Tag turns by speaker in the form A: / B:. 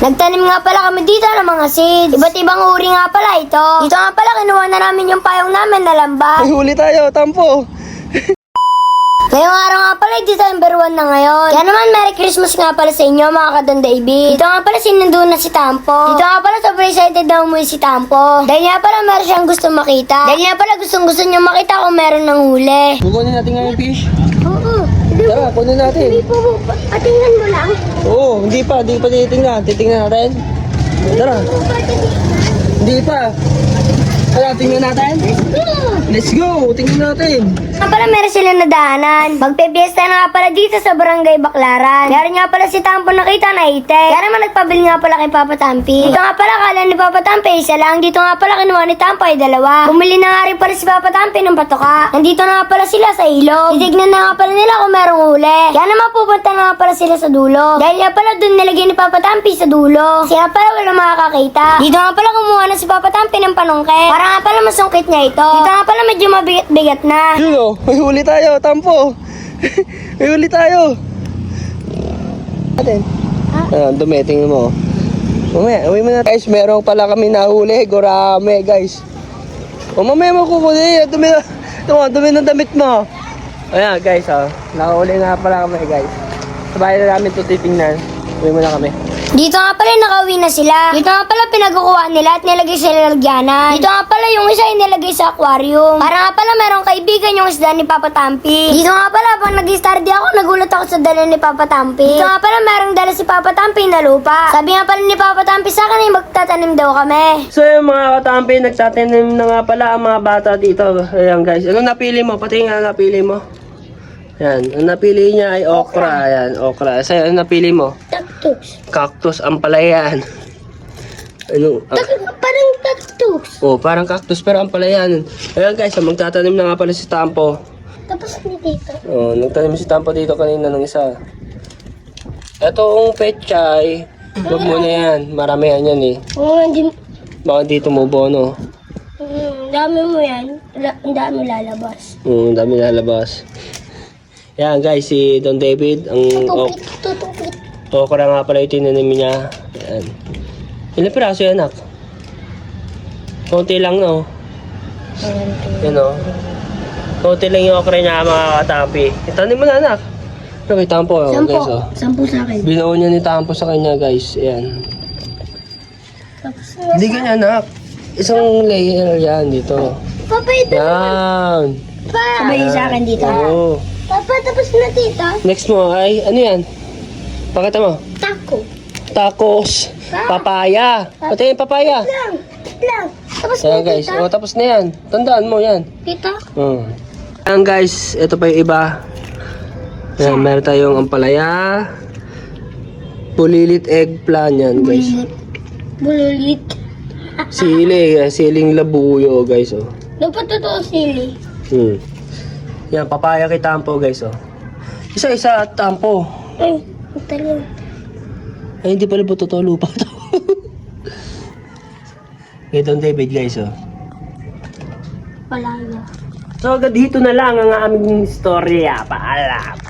A: Nagtanim nga pala kami dito ng mga seeds. Iba't ibang uri nga pala ito. Dito nga pala kinuha na namin yung payong namin na lambat.
B: May huli tayo, Tampo.
A: Ngayong araw nga pala, December 1 na ngayon. Kaya naman, Merry Christmas nga pala sa inyo, mga Kadon David. Dito nga pala, sinundo na si Tampo. Dito nga pala, sobrang excited na umuwi si Tampo. Dahil nga pala, meron siyang gusto makita. Dahil nga pala, gustong-gusto niya makita kung meron ng huli.
B: Kukunin natin nga yung fish.
A: Oo.
B: Tara, kunin natin.
A: po, patingnan mo lang.
B: Oo, hindi pa titingnan. Titingnan natin. Tara. Hindi pa. Tara, tingnan natin. Let's go, tingnan natin.
A: Nga pala meron silang nadaanan. Magpe-fiesta na nga pala dito sa Barangay Baclaran. Meron nga pala si Tampo nakita na ite. Kaya naman nagpabili nga pala kay Papa Tampi. Dito nga pala kala ni Papa Tampi isa lang. Dito nga pala kinuha ni Tampo ay dalawa. Bumili na nga rin pala si Papa Tampi ng patoka. Nandito na nga pala sila sa ilog. Titignan na nga pala nila kung merong huli. Kaya naman pupunta na nga pala sila sa dulo. Dahil nga pala dun nilagay ni Papa Tampi sa dulo. Kasi nga pala wala makakakita. Dito nga pala kumuha na si Papa Tampi ng panungkit. Para nga pala masungkit niya ito. Dito nga pala medyo mabigat-bigat na.
B: Yun o, may huli tayo, Tampo. May huli tayo. Atin. Dumi, tingnan mo. Mamaya, uwi mo na. Guys, meron pala kami nahuli. Gurame, guys. O mamaya mo kukunin. Dumi ng damit mo. Ayan, guys, nakahuli nga pala kami, guys. Sabay na namin ito titingnan. Uwi mo na kami.
A: Dito nga pala nakauwi na sila. Dito nga pala pinagkukuha nila at nilagay sa lalagyanan. Dito nga pala yung isa ay nilagay sa aquarium. Para nga pala merong kaibigan yung isda ni Papa Tampi. Dito nga pala pag nag-study ako, nagulat ako sa dala ni Papa Tampi. Dito nga pala merong dala si Papa Tampi na lupa. Sabi nga pala ni Papa Tampi sa akin ay magtatanim daw kami.
B: So yung mga katampi, nagtatanim na nga pala ang mga bata dito. Ayan, guys. Ano napili mo? Pati nga napili mo. Yan, ang napili niya ay okra. Ayan, okra. Sa'yo, ano napili mo?
A: Cactus.
B: Cactus, ampalayan. Ano?
A: Parang cactus.
B: Oh, parang cactus pero ampalayan. Ayan guys, magtatanim na nga pala si Tampo.
A: Tapos ni dito.
B: Oh, nagtanim si Tampo dito kanina ng isa. Etong pechay, huwag mo na yan. Maramihan yan eh.
A: Oo, hindi.
B: Baka dito mo bono.
A: Dami mo yan. Ang dami lalabas.
B: Ang dami lalabas. Yan guys, si Don David, ang okra nga pala yung tinanim niya. Yan. Ilang piraso yan, anak? Konti lang, no? Yan, no? Konti lang yung okra niya, mga katampi. Itanim mo na, anak. Ano kay Tampo, guys, oh.
A: 10 sa akin.
B: Binuo niya ni Tampo sa kanya, guys. Ayan.
A: Tapos
B: Hindi ganyan, anak. Isang layer yan dito.
A: Papa, ito.
B: Yan.
A: Sabay sa akin dito.
B: Oo.
A: Papa, tapos na dito.
B: Next mo ay, ano yan? Pakita mo.
A: Taco.
B: Tacos. Papaya. Pati yung papaya.
A: Lang. Tapos
B: Ayan, guys. O, tapos na yan. Tandaan mo yan.
A: Dito.
B: Ayan, guys. Ito pa yung iba. Ayan, meron tayong ampalaya. Bulilit eggplant yan, guys.
A: Bululit.
B: Siling labuyo, guys, oh.
A: Dapat totoo sili.
B: Yan, papaya kay Tampo, guys, oh. Isa-isa at Tampo.
A: Ay, talim.
B: Ay, hindi pala po totoo lupa to. Kay Don David, guys, oh.
A: Wala na.
B: So, hanggang dito na lang ang aming istorya. Paalam.